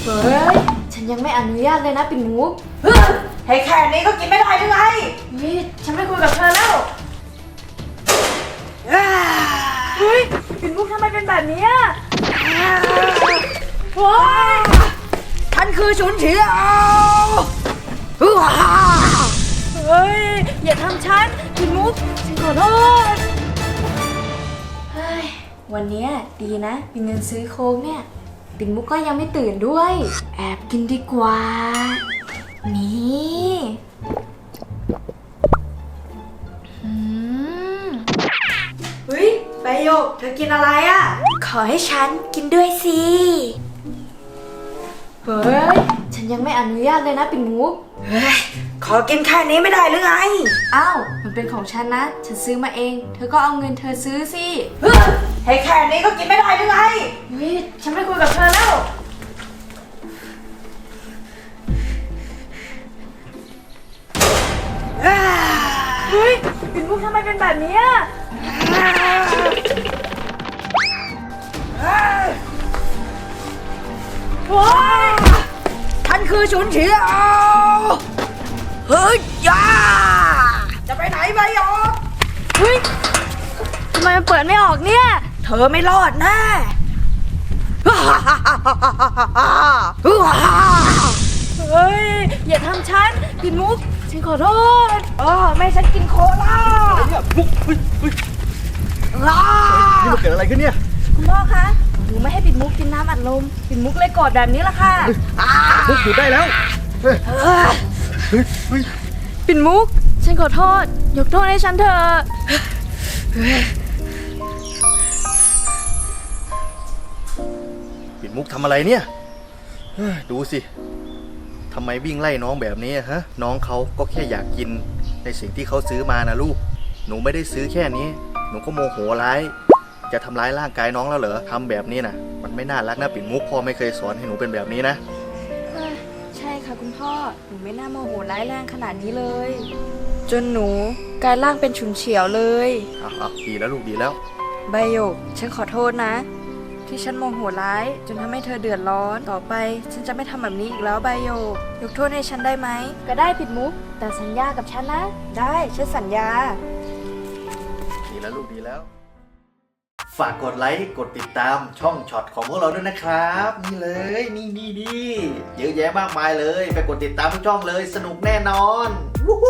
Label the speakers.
Speaker 1: เฮ้ยฉันยังไม่อนุญาตเลยนะปิ่นมุก
Speaker 2: ให้แค่นี้ก็กินไม่ได้หรือไง
Speaker 1: นี่ฉันไม่คุยกับเธอแล้วเฮ้ยปิ่นมุกทำไมเป็นแบบนี้โอ้ย
Speaker 2: ฉันคือฉุนเฉียว
Speaker 1: เฮ้ยอย่าทำฉันปิ่นมุกฉันขอโทษเฮ้ยวันนี้ดีนะมีเงินซื้อโค้กเนี่ยปิ่นมุกก็ยังไม่ตื่นด้วยแอบกินดีกว่านี่
Speaker 2: เฮ้ยใบหยกเธอกินอะไรอ่ะ
Speaker 1: ขอให้ฉันกินด้วยสิเฮ้ยฉันยังไม่อนุญาตเลยนะปิ่นมุก
Speaker 2: เฮ้ยขอกินแค่นี้ไม่ได้หรือไง
Speaker 1: อ้าวมันเป็นของฉันนะฉันซื้อมาเองเธอก็เอาเงินเธอซื้อสิ
Speaker 2: ให้แค่นี้ก็กินไม่ได้หรือไง
Speaker 1: เฮ้ยฉันไม่คุยกับเธอแล้วเฮ้ยปิ่นมุกทำไมเป็นแบบนี้โอ้ย
Speaker 2: ฉันคือฉุนเฉียวเฮ้ยย่าจะไปไหนใบหยก
Speaker 1: เฮ้ยทำไมมันเปิดไม่ออกเนี่ย
Speaker 2: เธอไม่รอดแน่
Speaker 1: เฮ้ยอย่าทำฉันปิ่นมุกฉันขอโทษ
Speaker 2: ไม่ฉันกินโคลา
Speaker 3: เนี่ยมุกเฮ้ยนี่มันเกิดอะไรขึ้นเนี่ย
Speaker 1: คุณพ่อคะหนูไม่ให้ปิ่นมุกกินน้ำอัดลมปิ่นมุกเลยกอดแบบนี้ละค่ะ
Speaker 3: มุกหยุดได้แล้วเฮ้ย
Speaker 1: ปิ่นมุกฉันขอโทษยกโทษให้ฉันเถอะ
Speaker 3: ปิ่นมุกทำอะไรเนี่ยดูสิทำไมวิ่งไล่น้องแบบนี้ฮะน้องเขาก็แค่อยากกินในสิ่งที่เขาซื้อมานะลูกหนูไม่ได้ซื้อแค่นี้หนูก็โมโหร้ายจะทำร้ายร่างกายน้องแล้วเหรอทำแบบนี้นะมันไม่น่ารักนะปิ่นมุกพ่อไม่เคยสอนให้หนูเป็นแบบนี้นะ
Speaker 1: ใช่ค่ะคุณพ่อหนูไม่น่าโมโหร้ายแรงขนาดนี้เลยจนหนูกลายร่างเป็นฉุนเฉียวเลย
Speaker 3: ดีแล้วลูกดีแล้ว
Speaker 1: ใบหยกฉันขอโทษนะที่ฉันโมโหร้ายจนทำให้เธอเดือดร้อนต่อไปฉันจะไม่ทำแบบนี้อีกแล้วใบหยกยกโทษให้ฉันได้ไหมก็ได้ปิดมุกแต่สัญญากับฉันนะได้ฉันสัญญา
Speaker 3: ดีแล้วลูกดีแล้วฝากกดไลค์กดติดตามช่องช็อตของพวกเราด้วยนะครับนี่เลยนี่เยอะแยะมากมายเลยไปกดติดตามทุกช่องเลยสนุกแน่นอนวู้